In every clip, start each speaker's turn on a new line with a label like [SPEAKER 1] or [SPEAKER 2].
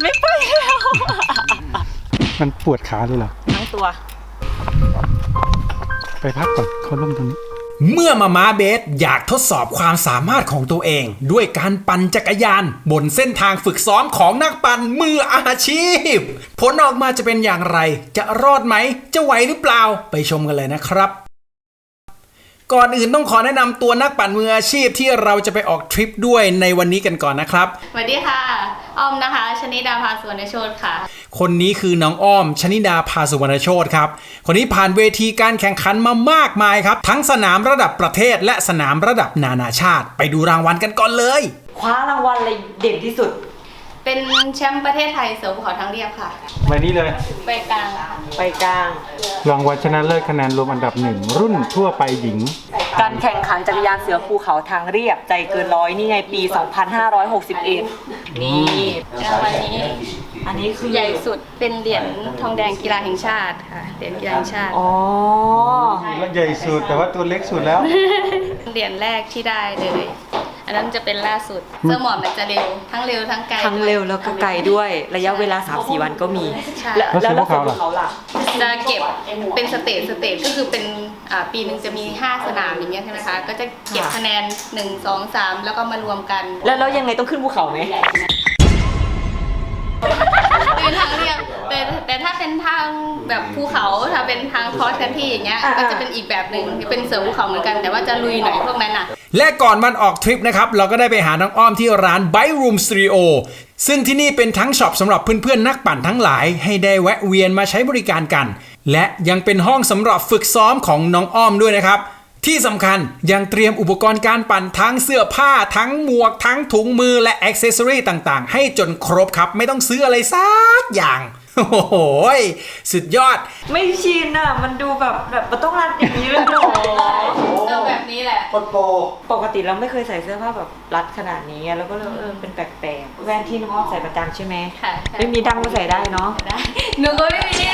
[SPEAKER 1] ไม่ไปแล้ว
[SPEAKER 2] มันปวดขาเลยเหรอ
[SPEAKER 1] ทั้งตัว
[SPEAKER 2] ไปพักก่อนเขาล่มตรงนี้
[SPEAKER 3] เมื่อมาม้าเบสอยากทดสอบความสามารถของตัวเองด้วยการปั่นจักรยานบนเส้นทางฝึกซ้อมของนักปั่นมืออาชีพผลออกมาจะเป็นอย่างไรจะรอดไหมจะไหวหรือเปล่าไปชมกันเลยนะครับก่อนอื่นต้องขอแนะนำตัวนักปั่นมืออาชีพที่เราจะไปออกทริปด้วยในวันนี้กันก่อนนะครับ
[SPEAKER 4] สวัสดีค่ะอ้อมนะคะชนิดาภาสุวรรณโชติค่ะ
[SPEAKER 3] คนนี้คือน้องอ้อมชนิดาภาสุวรรณโชติครับคนนี้ผ่านเวทีการแข่งขันมามากมายครับทั้งสนามระดับประเทศและสนามระดับนานาชาติไปดูรางวัลกันก่อนเลย
[SPEAKER 1] คว้ารางวัลอะไรเด่นที่สุด
[SPEAKER 4] เป็นแชมป์ประเทศไทยเสือภูเขาทางเรียบค่ะ
[SPEAKER 2] ไปนี้เลย
[SPEAKER 4] ไปกลางค่ะ
[SPEAKER 1] ไปกลาง
[SPEAKER 2] รางวัลชนะเลิศคะแนนรวมอันดับ1รุ่นทั่วไปหญิง
[SPEAKER 1] การแข่งขันจักรยานเสือภูเขาทางเรียบใจเกินร้อยนี่ไงปี 2561นี่
[SPEAKER 4] รางวัลนี้
[SPEAKER 1] อันนี้คือ
[SPEAKER 4] ใหญ่สุดเป็นเหรียญทองแดงกีฬาแห่งชาติค่ะเหรียญกีฬาแห่งชาติ
[SPEAKER 1] อ๋อ
[SPEAKER 2] แล้วใหญ่สุดแต่ว่าตัวเล็กสุดแล้ว
[SPEAKER 4] เหรียญแรกที่ได้เลยอันนั้นจะเป็นล่าสุดเสื้อหมอบมันจะเร็วทั้งไกล
[SPEAKER 1] ทั้งเร็วแล้วก็ไกลด้วยระยะเวลา 3-4 วันก็มี
[SPEAKER 2] แล้วพวกเขาล่ะ
[SPEAKER 4] จะเก็บเป็นสเตจก็คือเป็นปีหนึ่งจะมี5สนามอย่างเงี้ยใช่ไหมคะก็จะเก็บคะแนน1 2 3แล้วก็มารวมกัน
[SPEAKER 1] แล้วยังไงต้องขึ้นภูเขาไหม
[SPEAKER 4] เป็นทางเรียบแต่ถ้าเป็นทางแบบภูเขาถ้าเป็นทางคอร์สคันที่อย่างเงี้ยก็จะเป็นอีกแบบหนึ่งเป็นเสือภูเขาเหมือนกันแต่ว่าจะลุยหน่อยพวกนั้นน่ะ
[SPEAKER 3] และก่อนวันออกทริปนะครับเราก็ได้ไปหาน้องอ้อมที่ร้าน Bike Room Studio ซึ่งที่นี่เป็นทั้งช็อปสำหรับเพื่อนๆนักปั่นทั้งหลายให้ได้แวะเวียนมาใช้บริการกันและยังเป็นห้องสำหรับฝึกซ้อมของน้องอ้อมด้วยนะครับที่สำคัญยังเตรียมอุปกรณ์การปั่นทั้งเสื้อผ้าทั้งหมวกทั้งถุงมือและอ็อกเซสซอรี่ต่างๆให้จนครบครับไม่ต้องซื้ออะไรสักอย่างโอ้โหสุดยอด
[SPEAKER 1] ไม่ชินอ่ะมันดูแบบมันต้องรัดอย่างนี้เลยหรอ
[SPEAKER 4] แบบนี้แหละ
[SPEAKER 1] ปกติเราไม่เคยใส่เสื้อผ้าแบบรัดขนาดนี้แล้วก็เป็นแปลกๆแว่นที่น้องอ้อมใส่ประจำใช่ไหม
[SPEAKER 4] ค่ะ
[SPEAKER 1] ไม่มีดังก็ใส่ได้เนาะ
[SPEAKER 4] ได้หนูก็ไม่มี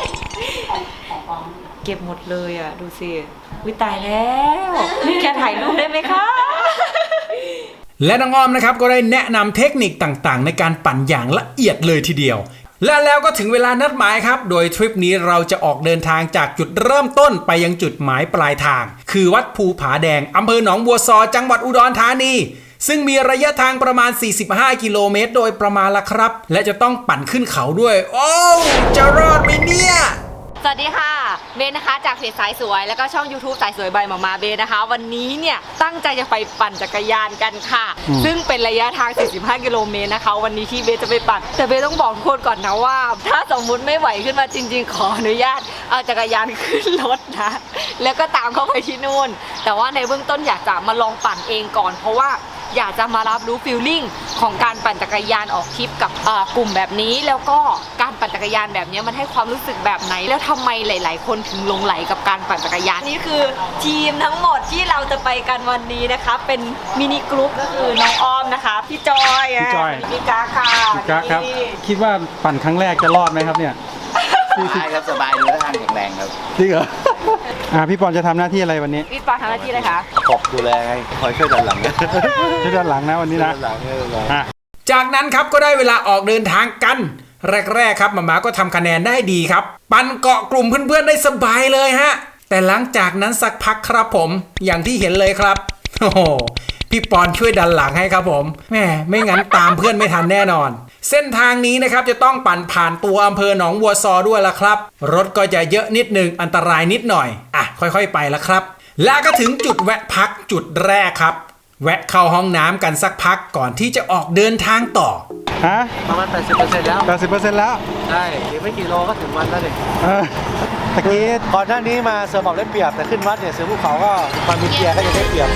[SPEAKER 1] เก็บหมดเลยอ่ะดูสิวิตายแล้วแค่ถ่ายรูปได้ไหมคะ
[SPEAKER 3] และน้องอ้อมนะครับก็ได้แนะนำเทคนิคต่างๆในการปั่นอย่างละเอียดเลยทีเดียวและแล้วก็ถึงเวลานัดหมายครับโดยทริปนี้เราจะออกเดินทางจากจุดเริ่มต้นไปยังจุดหมายปลายทางคือวัดภูผาแดงอำเภอหนองบัวซอจังหวัดอุดรธานีซึ่งมีระยะทางประมาณ45กิโลเมตรโดยประมาณละครับและจะต้องปั่นขึ้นเขาด้วยโอ้จะรอดไหมเนี่ย
[SPEAKER 1] สวัสดีค่ะเบนนะคะจากเพจสายสวยแล้วก็ช่อง YouTube สายสวยใบมาเบนนะคะวันนี้เนี่ยตั้งใจจะไปปั่นจักรยานกันค่ะซึ่งเป็นระยะทาง45กิโลเมตรนะคะวันนี้ที่เบนจะไปปั่นแต่เบนต้องบอกทุกคนก่อนนะว่าถ้าสมมุติไม่ไหวขึ้นมาจริงๆขออนุญาตเอาจักรยานขึ้นรถนะแล้วก็ตามเข้าไปที่นู่นแต่ว่าในเบื้องต้นอยากจะมาลองปั่นเองก่อนเพราะว่าอยากจะมารับรู้ฟีลลิ่งของการปั่นจักรยานออกทริปกับกลุ่มแบบนี้แล้วก็การปั่นจักรยานแบบนี้มันให้ความรู้สึกแบบไหนแล้วทำไมหลายๆคนถึงหลงไหลกับการปั่นจักรยานนี่คือทีมทั้งหมดที่เราจะไปกันวันนี้นะคะเป็นมินิกรุ๊ปก็คือน้องอ้อมนะคะพี่จอยพี่กาค่ะ
[SPEAKER 2] พี่กาครับคิดว่าปั่นครั้งแรกจะรอดไหมครับเนี่ย
[SPEAKER 5] สบายครับสบายดูท่าทางแข็งแรงครับ
[SPEAKER 2] จริงเหรอพี่ปอนจะทำหน้าที่อะไรวันนี้
[SPEAKER 1] พี่ปอนทำหน้าที่อะไรคะ
[SPEAKER 5] ดูแลให้คอยช่วยดันหลัง
[SPEAKER 2] ช่วยดันหลังนะวันนี้นะ
[SPEAKER 3] จากนั้นครับก็ได้เวลาออกเดินทางกันแรกๆครับหมาก็ทำคะแนนได้ดีครับปั่นเกาะกลุ่มเพื่อนๆได้สบายเลยฮะแต่หลังจากนั้นสักพักครับผมอย่างที่เห็นเลยครับโอ้โหพี่ปอนช่วยดันหลังให้ครับผมแม่ไม่งั้นตามเพื่อนไม่ทันแน่นอนเส้นทางนี้นะครับจะต้องปั่นผ่านตัวอำเภอหนองบัวซอด้วยละครับรถก็จะเยอะนิดนึงอันตรายนิดหน่อยค่อยๆไปละครับแล้วก็ถึงจุดแวะพักจุดแรกครับแวะเข้าห้องน้ำกันสักพักก่อนที่จะออกเดินทางต่อ
[SPEAKER 5] ประมาณ 80% แล้ว
[SPEAKER 2] 80% แล้ว
[SPEAKER 5] ใช่อีกไม่กี่โลก็ถึงวัดแล้วเด็ก
[SPEAKER 2] ตะกี้
[SPEAKER 5] ก่อนหน้านี้มาเสือหมอบได้เปรียบแต่ขึ้นวัดเนี่ยเสือภูเขาก็ความมีเกียร์ก็จะได้เปรียบ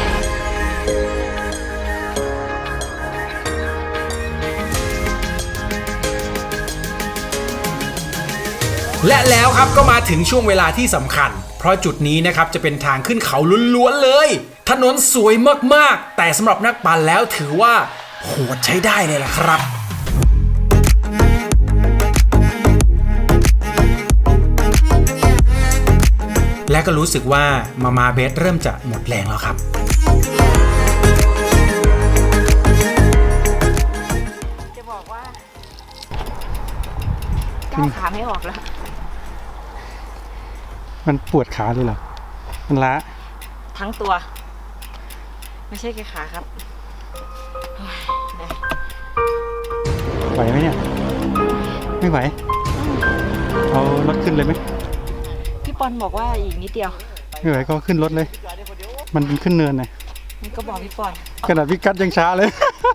[SPEAKER 3] และแล้วครับก็มาถึงช่วงเวลาที่สำคัญเพราะจุดนี้นะครับจะเป็นทางขึ้นเขาล้วนๆเลยถนนสวยมากๆแต่สำหรับนักปั่นแล้วถือว่าโหดใช้ได้เลยล่ะครับและก็รู้สึกว่ามาเบสเริ่มจะหมดแรงแล้วครับ
[SPEAKER 1] จะบอกว่าเอาขาไม่ออกแล้ว
[SPEAKER 2] มันปวดขาเลยเหรอมันล้า
[SPEAKER 1] ทั้งตัว ไม่ใช่แค่ขาครับโอ้ยเหนื่อย
[SPEAKER 2] ไหวไหมเนี่ยไม่ไหวเอารถขึ้นเลยไหม
[SPEAKER 1] พี่ปอนบอกว่าอีกนิดเดียว
[SPEAKER 2] ไม่ไหวก็ขึ้นรถเลย มันขึ้นเนินไง
[SPEAKER 1] นี่ก็บอกพี่ปอน
[SPEAKER 2] ขนาดพี่กัดยังช้าเลย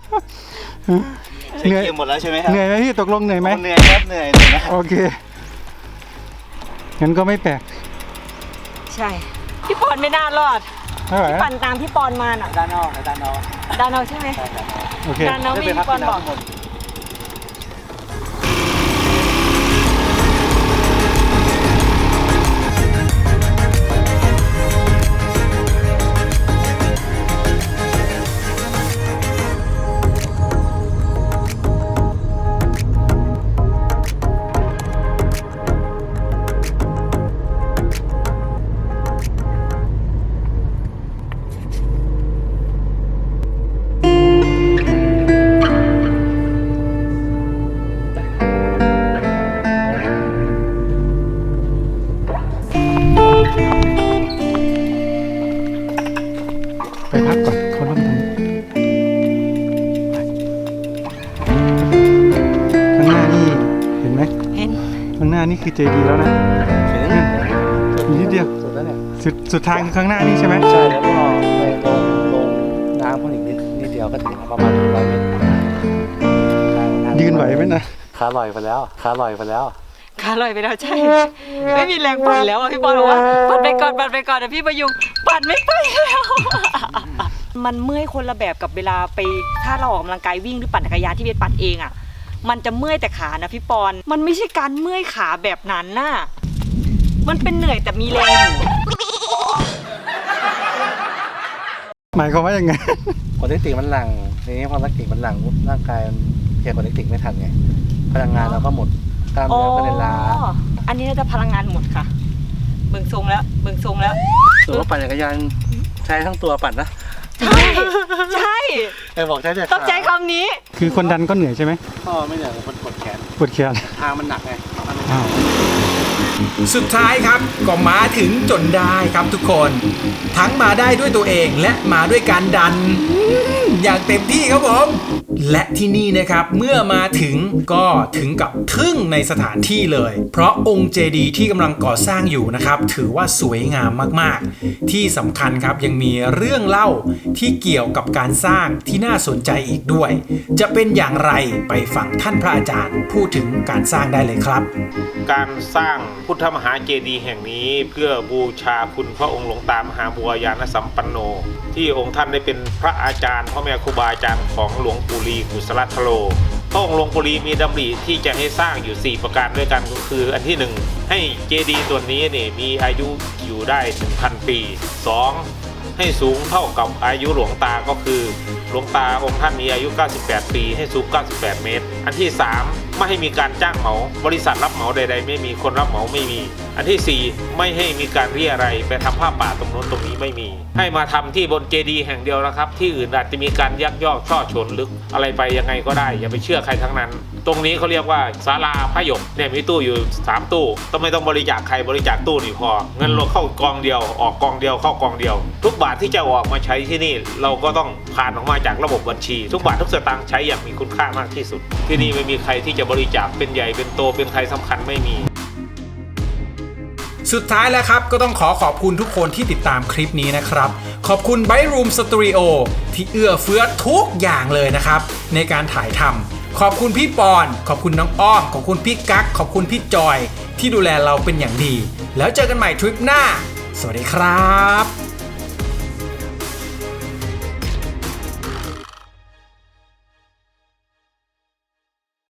[SPEAKER 2] เหนื่อย
[SPEAKER 5] เกมหมดแล้วใช่ไหมครับ
[SPEAKER 2] เหนื่อยไหมพี่ตกลงเหนื่อยไหม
[SPEAKER 5] เหนื่อยครับเหนื่อยนะ
[SPEAKER 2] โอเคงั้นก็ไม่แปลก
[SPEAKER 1] ใช่ พี่ปอนไม่น่ารอด
[SPEAKER 2] ไม่ไหว
[SPEAKER 1] พี่ปั่นตามพี่ปอนมาน่ะ
[SPEAKER 5] ด้านนอกด้านนอก
[SPEAKER 1] ดานเอาใช่ไหม
[SPEAKER 2] โอเค
[SPEAKER 1] ดานเอาไม่พี่ปอนบอก
[SPEAKER 2] ไปพักก่อนเขาเริ่มทำข้างหน้านี่เห็นไหม
[SPEAKER 1] เห็น
[SPEAKER 2] ข้างหน้านี่คือเจดีย์แล้วนะอีกนิดเดียว
[SPEAKER 5] สุดแล้วเนี่ย
[SPEAKER 2] สุดทางคือข้างหน้านี่ใช่ไหม
[SPEAKER 5] ใช่แล้วก็ไปลงน้ำพวกอีกนิดเดียวก็ถึงประมาณ100 เมตร
[SPEAKER 2] ยืนไหวไหมนะ
[SPEAKER 5] ขาลอยไปแล้วขาลอยไปแล้ว
[SPEAKER 1] ขาลอยไปแล้วใช่ ไม่มีแรงปั่นแล้วอะพี่ปอนบอกว่าปั่นไปก่อนนะพี่ประยุงปั่นไม่ไปแล้ว มันเมื่อยคนละแบบกับเวลาไปถ้าเราออกกำลังกายวิ่งหรือปั่นจักรยานที่เบสปั่นเองอ่ะมันจะเมื่อยแต่ขานะพี่ปอนมันไม่ใช่การเมื่อยขาแบบนั้นน่ะมันเป็นเหนื่อยแต่มีแรงอยู่
[SPEAKER 2] หมายความว่ายังไง
[SPEAKER 5] กดแลคติกมันหลั่งทีนี้พอแลคติกมันหลั่งปุ๊บร่างกายมันเคลียร์กดแลคติกไม่ทันไงพลังงานเราก็หมดกล้ามเนื้อก็เลยล้า
[SPEAKER 1] อันนี้น่าจะพลังงานหมดค่ะเบิ่งทรงแล้ว
[SPEAKER 5] ถือว่าปั่นจักรยานใช้ทั้งตัวปั่นนะ
[SPEAKER 1] ใช่
[SPEAKER 5] บอกใช้แต่
[SPEAKER 1] ต้องใช้คำนี้
[SPEAKER 2] คือคนดันก็เหนื่อยใช่ไหม
[SPEAKER 5] พ่อไม่เหนื่อยคนกดแขน
[SPEAKER 2] ปวดแขน
[SPEAKER 5] ทางมันหนักไง
[SPEAKER 2] อ้าว
[SPEAKER 3] สุดท้ายครับก็มาถึงจนได้ครับทุกคน ทั้งมาได้ด้วยตัวเองและมาด้วยการดันอย่างเต็มที่ครับผม และที่นี่นะครับเมื่อมาถึงก็ถึงกับทึ่งในสถานที่เลย เพราะองค์เจดีย์ที่กำลังก่อสร้างอยู่นะครับถือว่าสวยงามมากๆที่สำคัญครับยังมีเรื่องเล่าที่เกี่ยวกับการสร้างที่น่าสนใจอีกด้วย จะเป็นอย่างไรไปฟังท่านพระอาจารย์พูดถึงการสร้างได้เลยครับ
[SPEAKER 6] การสร้างพุทธมหาเจดีย์แห่งนี้เพื่อบูชาคุณพระองค์หลวงตามหาบัวยานสัมปันโน ที่องค์ท่านได้เป็นพระอาจารย์พ่อแม่ครูบาอาจารย์ของหลวงปู่ลีกุศลทโลพระองค์หลวงปู่ลีมีดำริที่จะให้สร้างอยู่4ประการด้วยกันก็คืออันที่1ให้เจดีย์ตัวนี้นี่มีอายุอยู่ได้ 1,000 ปี 2. ให้สูงเท่ากับอายุหลวงตาก็คือหลวงตาองค์ท่านมีอายุ 98 ปีให้สูง 98 เมตร อันที่ 3. ไม่ให้มีการจ้างเหมาบริษัทรับเหมาใดๆไม่มีคนรับเหมาไม่มี อันที่ 4. ไม่ให้มีการเรียอะไรไปทำผ้าป่าตรงโน้นตรงนี้ไม่มี ให้มาทำที่บนเจดีย์แห่งเดียวนะครับที่อื่นอาจจะมีการยักยอกช่อฉนลึกอะไรไปยังไงก็ได้อย่าไปเชื่อใครทั้งนั้น ตรงนี้เขาเรียกว่าศาลาพระหยกเนี่ยมีตู้อยู่3ตู้ต้องไม่ต้องบริจาคใครบริจาคตู้นี่พอเงินเราเข้ากองเดียวออกกองเดียวเข้ากองเดียวทุกบาทที่จะออกมาใช้ที่นี่เราก็ต้องผ่านออกมาจากระบบบัญชีทุกบาททุกสตางค์ใช้อย่างมีคุณค่ามากที่สุดที่นี่ไม่มีใครที่จะบริจาคเป็นใหญ่เป็นโตเป็นใครสำคัญไม่มี
[SPEAKER 3] สุดท้ายแล้วครับก็ต้องขอบคุณทุกคนที่ติดตามคลิปนี้นะครับขอบคุณ Byte Room Studio ที่เอื้อเฟื้อทุกอย่างเลยนะครับในการถ่ายทำขอบคุณพี่ปอนขอบคุณน้องอ้อมขอบคุณพี่กั๊กขอบคุณพี่จอยที่ดูแลเราเป็นอย่างดีแล้วเจอกันใหม่ทริปหน้าสวัสดีครับ